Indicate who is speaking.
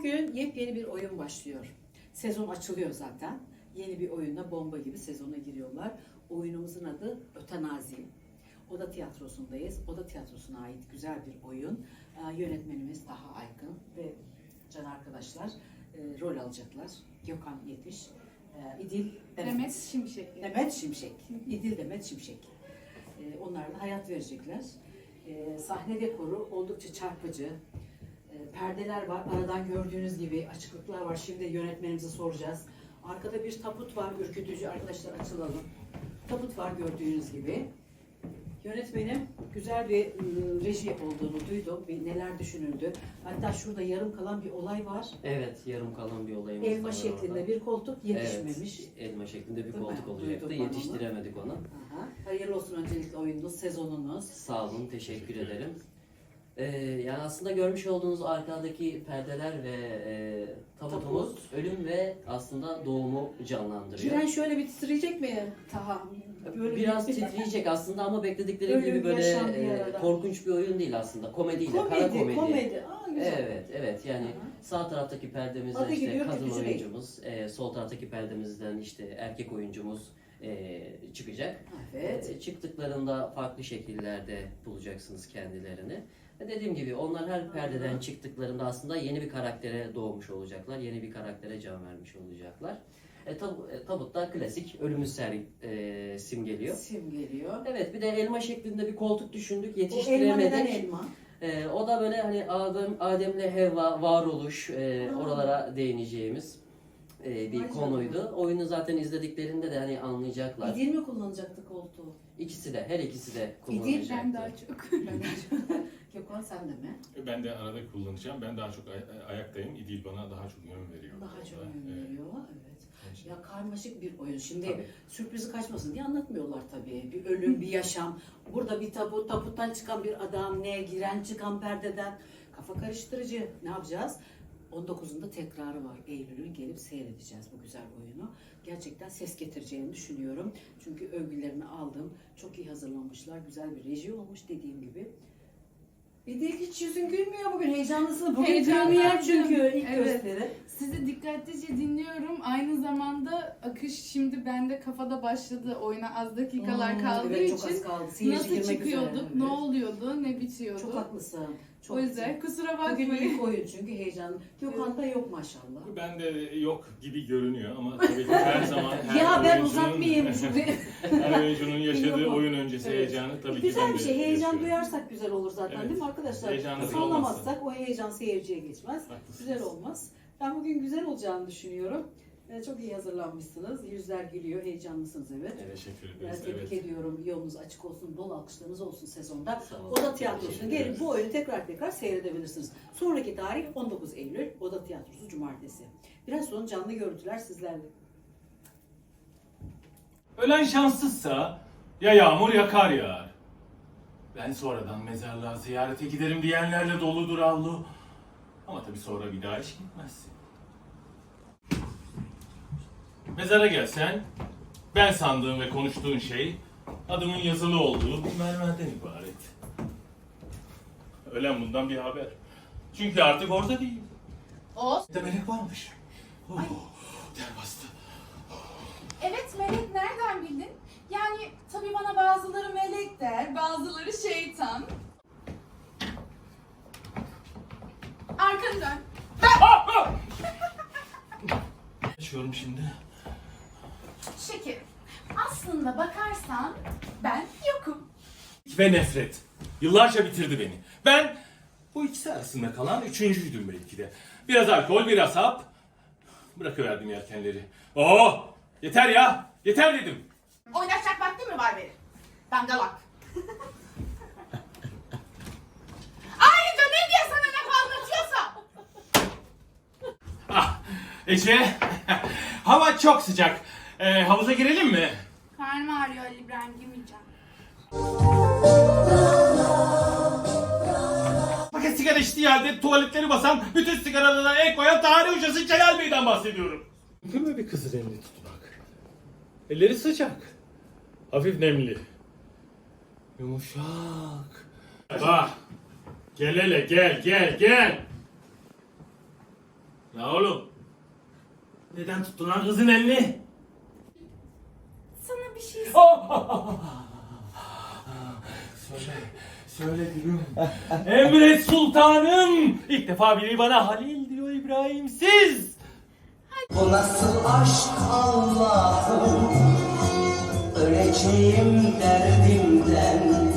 Speaker 1: Bugün yepyeni bir oyun başlıyor. Sezon açılıyor zaten. Yeni bir oyunla bomba gibi sezona giriyorlar. Oyunumuzun adı Ötenazi. Oda Tiyatrosu'ndayız. Oda Tiyatrosu'na ait güzel bir oyun. Yönetmenimiz Taha Aykın ve can arkadaşlar rol alacaklar. Gökhan Yetiş, İdil
Speaker 2: Demet Şimşek.
Speaker 1: Demet Şimşek. İdil Demet Şimşek. Onlar da hayat verecekler. Sahne dekoru oldukça çarpıcı. Perdeler var. Aradan gördüğünüz gibi açıklıklar var. Şimdi yönetmenimize soracağız. Arkada bir tabut var. Ürkütücü. Arkadaşlar açılalım. Tabut var gördüğünüz gibi. Yönetmenim güzel bir reji olduğunu duydum. Neler düşünüldü. Hatta şurada yarım kalan bir olay var.
Speaker 3: Evet, yarım kalan bir olayımız
Speaker 1: Elma
Speaker 3: var
Speaker 1: şeklinde
Speaker 3: orada.
Speaker 1: bir koltuk yetişmemiş.
Speaker 3: Evet, elma şeklinde bir
Speaker 1: Değil mi?
Speaker 3: koltuk olacaktı.
Speaker 1: Duydum ben
Speaker 3: Yetiştiremedik onu.
Speaker 1: Aha. Hayırlı olsun öncelikle oyununuz, sezonunuz.
Speaker 3: Sağ olun, teşekkür ederim. Yani aslında görmüş olduğunuz arkadaki perdeler ve tabutumuz ölüm ve aslında doğumu canlandırıyor.
Speaker 1: Cüren şöyle bir titreyecek mi Taha? Böyle
Speaker 3: Biraz titriyecek aslında ama bekledikleri
Speaker 1: Ölüm,
Speaker 3: gibi böyle
Speaker 1: yaşam bir arada.
Speaker 3: korkunç bir oyun değil aslında. Komediyle, kara komedi.
Speaker 1: Komedi. Aa, güzel.
Speaker 3: Evet yani
Speaker 1: Aha.
Speaker 3: sağ taraftaki perdemizden
Speaker 1: Adı
Speaker 3: işte
Speaker 1: gidiyor,
Speaker 3: kadın
Speaker 1: ürkütücü değil.
Speaker 3: oyuncumuz, sol taraftaki perdemizden işte erkek oyuncumuz çıkacak.
Speaker 1: Evet.
Speaker 3: Çıktıklarında farklı şekillerde bulacaksınız kendilerini. Ve dediğim gibi onlar her perdeden çıktıklarında aslında yeni bir karaktere doğmuş olacaklar. Yeni bir karaktere can vermiş olacaklar. Tabutta klasik ölümü simgeliyor.
Speaker 1: Simgeliyor.
Speaker 3: Evet, bir de elma şeklinde bir koltuk düşündük,
Speaker 1: O elma
Speaker 3: yetiştiremedik.
Speaker 1: neden elma?
Speaker 3: O da böyle hani Adem'le Havva varoluş oralara değineceğimiz bir
Speaker 1: Vay
Speaker 3: konuydu.
Speaker 1: canına.
Speaker 3: Oyunu zaten izlediklerinde de hani anlayacaklar.
Speaker 1: İdil mi kullanacaktı koltuğu?
Speaker 3: Her ikisi de
Speaker 1: İdil,
Speaker 3: kullanacaktı.
Speaker 2: Ben daha çok.
Speaker 1: Gökhan sen de mi?
Speaker 4: Ben de arada kullanacağım. Ben daha çok ayaktayım. İdil bana daha çok yön veriyor.
Speaker 1: Daha çok
Speaker 4: Evet.
Speaker 1: yön veriyor. Evet.
Speaker 4: Evet.
Speaker 1: Ya karmaşık bir oyun. Şimdi
Speaker 3: Tabii.
Speaker 1: sürprizi kaçmasın diye anlatmıyorlar tabii. Bir ölüm, bir yaşam. Burada bir tabut, tabuttan çıkan bir adam, ne giren çıkan perdeden. Kafa karıştırıcı. Ne yapacağız? 19'unda tekrarı var. Eylül'ü gelip seyredeceğiz bu güzel oyunu. Gerçekten ses getireceğini düşünüyorum. Çünkü övgülerini aldım. Çok iyi hazırlanmışlar. Güzel bir reji olmuş dediğim gibi. Bir de hiç yüzün gülmüyor bugün. Heyecanlısın. Bugün
Speaker 2: Heyecanlandım.
Speaker 1: premier çünkü ilk
Speaker 2: Evet.
Speaker 1: gösteri.
Speaker 2: Sizi dikkatlice dinliyorum. Aynı zamanda akış şimdi bende kafada başladı. Oyuna az dakikalar kaldığı
Speaker 1: evet, çok az
Speaker 2: için
Speaker 1: kaldı. Seyirci
Speaker 2: nasıl
Speaker 1: girmek
Speaker 2: çıkıyorduk,
Speaker 1: üzere.
Speaker 2: ne
Speaker 1: Evet.
Speaker 2: oluyordu, ne bitiyordu.
Speaker 1: Çok haklısın. Çok
Speaker 2: O yüzden kusura
Speaker 1: Bugün
Speaker 2: bakmayın.
Speaker 1: ilk oyun çünkü heyecan. Gökhan'da yok maşallah.
Speaker 4: Ben de yok gibi görünüyor ama tabii ki her zaman her
Speaker 1: Ya ben
Speaker 4: oyuncunun-
Speaker 1: uzatmayayım.
Speaker 4: her oyuncunun yaşadığı
Speaker 1: Yok.
Speaker 4: oyun öncesi
Speaker 1: Evet.
Speaker 4: heyecanı tabii ki
Speaker 1: Güzel
Speaker 4: ben
Speaker 1: bir
Speaker 4: de
Speaker 1: şey. Heyecan
Speaker 4: yaşıyorum.
Speaker 1: duyarsak güzel olur zaten
Speaker 4: Evet.
Speaker 1: değil mi arkadaşlar?
Speaker 4: Heyecanlı
Speaker 1: Sallamazsak o heyecan seyirciye geçmez.
Speaker 4: Haklısınız.
Speaker 1: Güzel olmaz. Ben bugün güzel olacağını düşünüyorum. Çok iyi hazırlanmışsınız. Yüzler gülüyor. Heyecanlısınız evet.
Speaker 4: Teşekkür ederiz.
Speaker 1: Tebrik ediyorum. Yolunuz açık olsun. Bol alkışlarınız olsun sezonda.
Speaker 3: Sağ olun.
Speaker 1: Oda Tiyatrosu'na
Speaker 3: Teşekkür
Speaker 1: gelin
Speaker 3: ederiz.
Speaker 1: bu oyunu tekrar seyredebilirsiniz. Sonraki tarih 19 Eylül Oda Tiyatrosu Cumartesi. Biraz sonra canlı görüntüler sizlerle.
Speaker 4: Ölen şanssızsa ya yağmur ya kar yağar. Ben sonradan mezarlığa ziyarete giderim diyenlerle doludur avlu. Ama tabii sonra bir daha hiç gitmezsin. Mezara gelsen, ben sandığım ve konuştuğun şey adımın yazılı olduğu bir mermerden ibaret. Ölen bundan bir haber. Çünkü artık orada değil.
Speaker 2: O.
Speaker 4: Bir de melek varmış. Oh, ter bastı.
Speaker 2: Evet, melek nereden bildin? Yani tabii bana bazıları melek der, bazıları şeytan. Arkanı dön.
Speaker 4: Yaşıyorum şimdi.
Speaker 2: Şekerim, aslında bakarsan ben yokum.
Speaker 4: Ve nefret. Yıllarca bitirdi beni. Ben bu ikisi arasında kalan üçüncüydüm belki de. Biraz alkol, biraz hap. Bırakıverdim yelkenleri. Oh! Yeter ya! Yeter dedim.
Speaker 2: Oynaşacak vakti mi var benim? Dangalak. Ayrıca ne diye sana laf anlatıyorsam?
Speaker 4: Ah! Ece! Hava çok sıcak. Havuza girelim mi?
Speaker 2: Karnım ağrıyor Ali İbrahim, girmeyeceğim.
Speaker 4: Paket sigara içtiği halde tuvaletleri basan, bütün sigaralarına el koyan tarih hocası Celal Bey'den bahsediyorum. Mümkün mü bir kızın elini tutmak? Elleri sıcak. Hafif nemli. Yumuşak. Bak. Gel hele gel. Ya oğlum. Neden tuttun lan kızın elini?
Speaker 2: Sana bir şey
Speaker 4: Söyle gülüm. Emret sultanım. İlk defa biri bana Halil diyor İbrahimsiz.
Speaker 5: Bu nasıl aşk Allah'ım, öleceğim derdimden.